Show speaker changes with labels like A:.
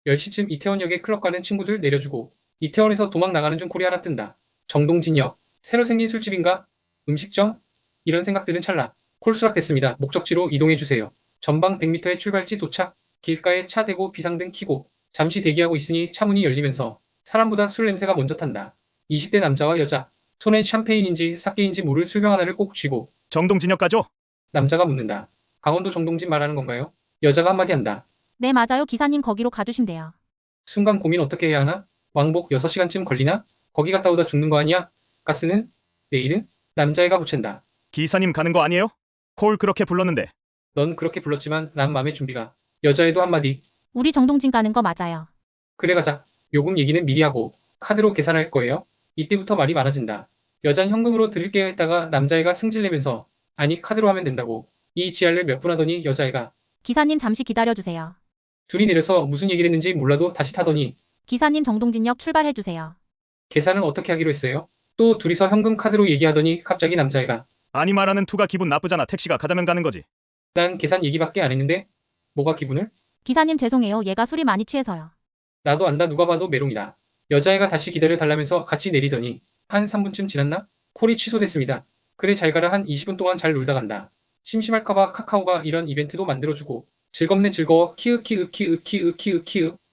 A: 10시쯤 이태원역에 클럽 가는 친구들 내려주고 이태원에서 도망 나가는 중 콜이 하나 뜬다. 정동진역? 새로 생긴 술집인가? 음식점? 이런 생각들은 찰나 콜 수락됐습니다. 목적지로 이동해주세요. 전방 100m의 출발지 도착. 길가에 차 대고 비상등 켜고 잠시 대기하고 있으니 차 문이 열리면서 사람보다 술 냄새가 먼저 탄다. 20대 남자와 여자. 손엔 샴페인인지 사케인지 모를 술병 하나를 꼭 쥐고
B: 정동진역 가죠?
A: 남자가 묻는다. 강원도 정동진 말하는 건가요? 여자가 한마디 한다.
C: 네, 맞아요. 기사님 거기로 가주시면 돼요.
A: 순간 고민 어떻게 해야 하나? 왕복 6시간쯤 걸리나? 거기 갔다 오다 죽는 거 아니야? 가스는? 내일은? 남자애가 붙인다.
B: 기사님 가는 거 아니에요? 콜 그렇게 불렀는데.
A: 넌 그렇게 불렀지만 난 맘의 준비가. 여자애도 한마디.
C: 우리 정동진 가는 거 맞아요.
A: 그래 가자. 요금 얘기는 미리 하고 카드로 계산할 거예요. 이때부터 말이 많아진다. 여잔 현금으로 드릴게요 했다가 남자애가 승질내면서 아니 카드로 하면 된다고. 이 지랄을 몇 분 하더니 여자애가
C: 기사님 잠시 기다려주세요.
A: 둘이 내려서 무슨 얘기를 했는지 몰라도 다시 타더니
C: 기사님 정동진역 출발해주세요.
A: 계산은 어떻게 하기로 했어요? 또 둘이서 현금 카드로 얘기하더니 갑자기 남자애가
B: 아니 말하는 투가 기분 나쁘잖아. 택시가 가자면 가는 거지.
A: 난 계산 얘기밖에 안 했는데 뭐가 기분을?
C: 기사님 죄송해요. 얘가 술이 많이 취해서요.
A: 나도 안다 누가 봐도 메롱이다. 여자애가 다시 기다려달라면서 같이 내리더니 한 3분쯤 지났나? 콜이 취소됐습니다. 그래 잘 가라 한 20분 동안 잘 놀다 간다. 심심할까봐 카카오가 이런 이벤트도 만들어주고 즐겁네 즐거워 키읔 키읔 키읔 키읔 키읔 키읔